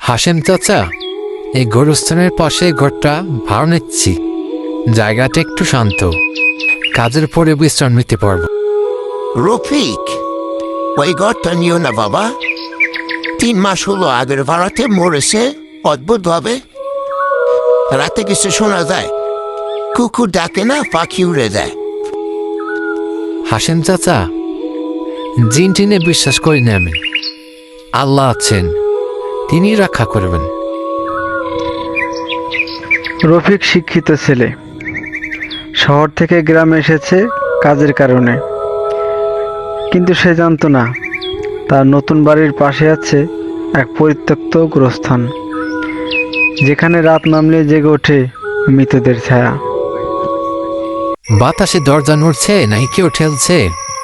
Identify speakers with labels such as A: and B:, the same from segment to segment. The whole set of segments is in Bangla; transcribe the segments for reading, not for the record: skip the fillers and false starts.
A: হাশেম চাচা, এই গোরস্থানের পাশে ঘরটা ভাড়া নিচ্ছি। জায়গাটা একটু শান্ত, কাজের পরে বিশ্রাম নিতে পারবো।
B: রফিক, ওই ঘরটা নিও না বাবা। 3 মাস হলো আগের ভাড়াতে মরেছে অদ্ভুতভাবে। রাতে কিছু শোনা যায়, কুকুর ডাকে না, পাখি উড়ে যায়।
A: হাশেম চাচা, জিন টিনে বিশ্বাস করি না আমি। আল্লাহ আছেন, তিনি রক্ষা করবেন।
C: রফিক শিক্ষিত ছেলে, শহর থেকে গ্রামে এসেছে কাজের কারণে, কিন্তু সে জানতো না তার নতুন বাড়ির পাশে আছে এক পরিত্যক্ত গোরস্থান, যেখানে রাত নামলে জেগে ওঠে মৃতদের ছায়া।
A: বাতাসে দরজা নড়ছে নাকি কেউ ঠেলছে?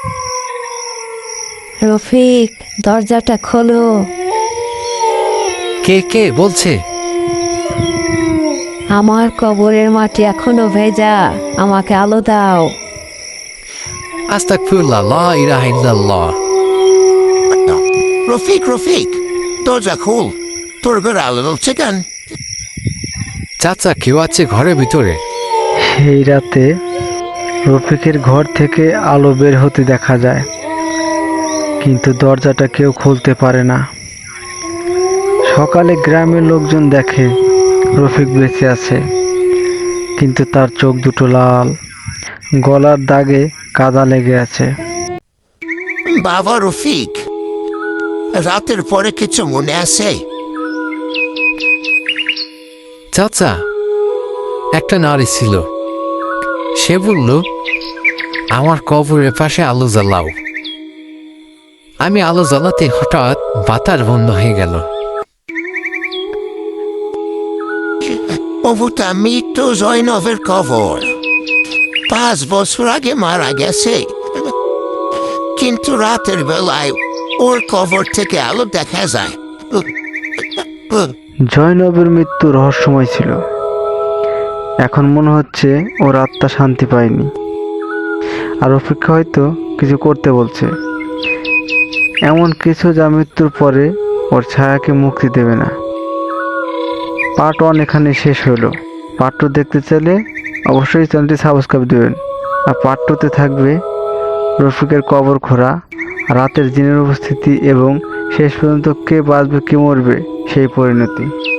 D: রফিক, দরজাটা খোলো।
A: কে কে বলছে?
D: আমার কবরের মাটি এখনো ভেজা, আমাকে আলো দাও।
A: আস্তাগফিরুল্লাহ, লা ইলাহা ইল্লাল্লাহ।
B: রফিক রফিক, দরজা খোল, তোর ঘরে আলো জ্বলছে কেন?
A: চাচা, কেউ আছে ঘরের ভিতরে?
C: সেই রাতে রফিকের ঘর থেকে আলো বের হতে দেখা যায়, কিন্তু দরজাটা কেউ খুলতে পারে না। সকালে গ্রামের লোকজন দেখে রফিক বেঁচে আছে, কিন্তু তার চোখ দুটো লাল, গলার দাগে কাদা লেগে আছে।
B: বাবা রফিক, রাতের পরে কিছু মনে আছে?
A: চাচা, একটা নারী ছিল, সে বলল আমার কবরের পাশে আলো জ্বালাও। আমি আলো জ্বালাতে হঠাৎ বাতাস বন্ধ হয়ে গেল।
B: ওটা মৃত্যু জয়নবের কবর। 5 বছর আগে মারা গেছে, কিন্তু রাতের বেলায় ওর কবর থেকে আলো দেখা যায়।
C: জয়নবের মৃত্যু রহস্যময় ছিল। এখন মনে হচ্ছে ওর আত্মা শান্তি পায়নি, আর রফিককে হয়তো কিছু করতে বলছে, এমন কিছু যা মৃত্যুর পরে ওর ছায়াকে মুক্তি দেবে না। পার্ট 1 এখানে শেষ হলো। পার্ট 2 দেখতে চাইলে অবশ্যই চ্যানেলটি সাবস্ক্রাইব দেবেন। আর পার্ট 2-তে থাকবে রফিকের কবর খোঁড়া, রাতের জিনের উপস্থিতি এবং শেষ পর্যন্ত কে বাঁচবে কে মরবে সেই পরিণতি।